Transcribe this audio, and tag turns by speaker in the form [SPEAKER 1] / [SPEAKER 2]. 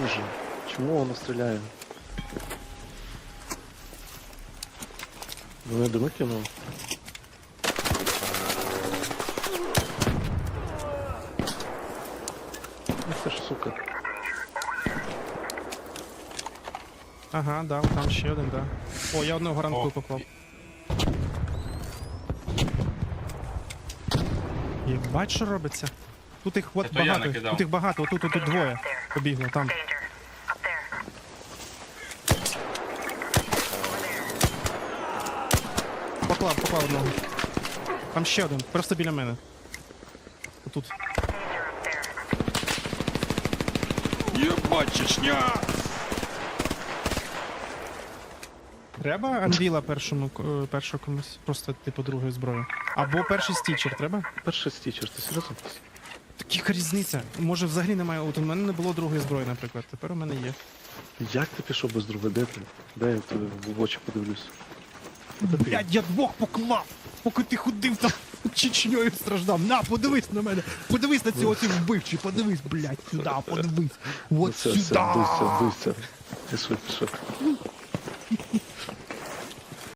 [SPEAKER 1] Боже, чому воно стріляє? Мене дими кинув. Це ж сука.
[SPEAKER 2] Ага, да, там ще один, да. О, я одного ранку попав. Єбать, що робиться? Тут їх от
[SPEAKER 3] Це то я
[SPEAKER 2] багато,
[SPEAKER 3] накидав.
[SPEAKER 2] тут їх багато, тут двоє побігло, там. Поклав одного. Там ще один, просто біля мене. Отут. Єбать, Чечня! Треба анвіла першого комусь? Просто, типу, другої зброї. Або перший стічер треба?
[SPEAKER 1] Перший стічер, ти серйозно?
[SPEAKER 2] Яка різниця? Може взагалі немає. От у мене не було другої зброї, наприклад. Тепер у мене є.
[SPEAKER 1] Як ти пішов без друга? Де ти? Дай я тобі в очі подивлюсь.
[SPEAKER 2] Блядь, я двох поклав! Поки ти ходив там Чечньою страждав. На, подивись на мене! Подивись на ці оці вбивчі, подивись, блядь, сюди, подивись.
[SPEAKER 1] Ну,
[SPEAKER 2] От
[SPEAKER 1] все,
[SPEAKER 2] сюди!
[SPEAKER 1] бийся. Пішов.